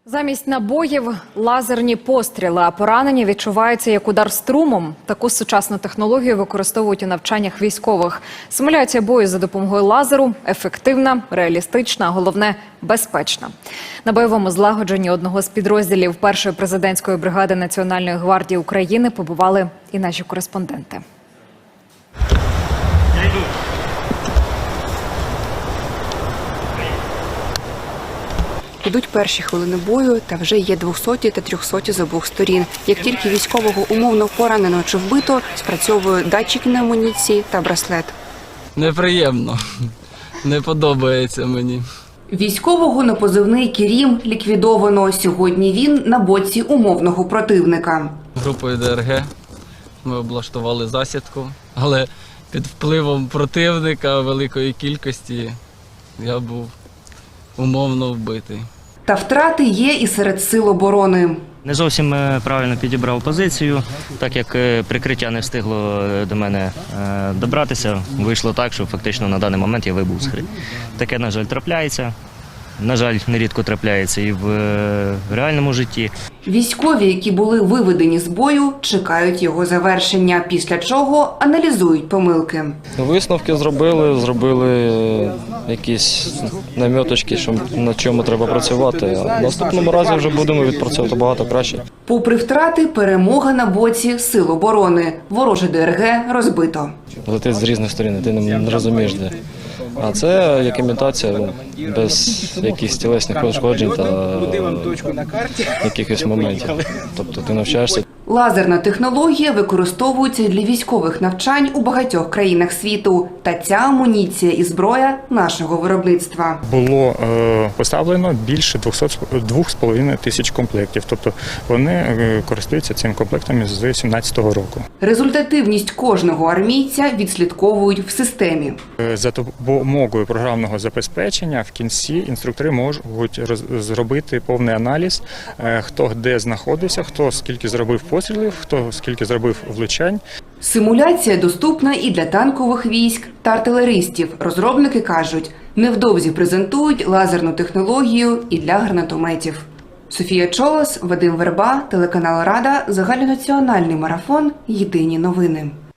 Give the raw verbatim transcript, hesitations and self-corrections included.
Замість набоїв – лазерні постріли, а поранення відчуваються як удар струмом. Таку сучасну технологію використовують у навчаннях військових. Симуляція бою за допомогою лазеру – ефективна, реалістична, а головне – безпечна. На бойовому злагодженні одного з підрозділів першої президентської бригади Національної гвардії України побували і наші кореспонденти. Ідуть перші хвилини бою, та вже є двохсоті та трьохсоті з обох сторін. Як тільки військового умовно поранено чи вбито, спрацьовує датчик на амуніції та браслет. Неприємно. Не подобається мені. Військового на позивний «Кірім» ліквідовано. Сьогодні він на боці умовного противника. Групою Д Р Г ми облаштували засідку, але під впливом противника великої кількості я був умовно вбитий. Та втрати є і серед сил оборони. Не зовсім правильно підібрав позицію, так як прикриття не встигло до мене добратися. Вийшло так, що фактично на даний момент я вибув з гри. Таке, на жаль, трапляється. На жаль, нерідко трапляється і в реальному житті. Військові, які були виведені з бою, чекають його завершення, після чого аналізують помилки. Висновки зробили, зробили якісь наміточки, що на чому треба працювати. А в наступному разі вже будемо відпрацьовувати багато краще. Попри втрати, перемога на боці сил оборони. Вороже Д Р Г розбито. Летить з різних сторін, ти не розумієш де. А це як імітація, без якихось тілесних пошкоджень та якихось моментів. Тобто ти навчаєшся. Лазерна технологія використовується для військових навчань у багатьох країнах світу. Та ця амуніція і зброя нашого виробництва. Було е, поставлено більше двох з половиною тисяч комплектів. Тобто вони е, користуються цим комплектом з дві тисячі сімнадцятого року. Результативність кожного армійця відслідковують в системі. Е, за допомогою програмного забезпечення в кінці інструктори можуть роз, зробити повний аналіз, е, хто де знаходився, хто скільки зробив пострілів, хто скільки зробив влучань. Симуляція доступна і для танкових військ та артилеристів. Розробники кажуть, невдовзі презентують лазерну технологію і для гранатометів. Софія Чолос, Вадим Верба, телеканал Рада, загальнонаціональний марафон «Єдині новини».